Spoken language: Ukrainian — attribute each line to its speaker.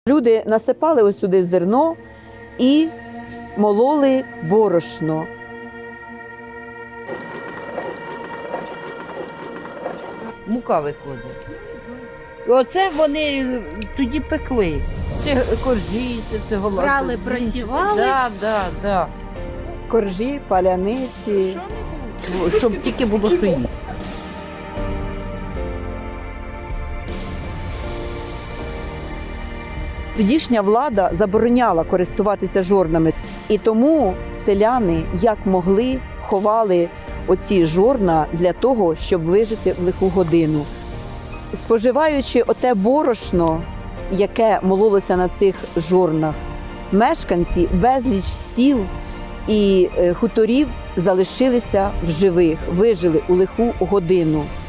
Speaker 1: Люди насипали ось сюди зерно і мололи борошно.
Speaker 2: Мука виходить. І оце вони тоді пекли. Це коржі, це голова.
Speaker 3: Брали, просівали.
Speaker 2: Да.
Speaker 1: Коржі, паляниці.
Speaker 2: Щоб тільки було що їсти.
Speaker 1: Тодішня влада забороняла користуватися жорнами. І тому селяни, як могли, ховали оці жорна для того, щоб вижити в лиху годину. Споживаючи оте борошно, яке мололося на цих жорнах, мешканці безліч сіл і хуторів залишилися в живих, вижили у лиху годину.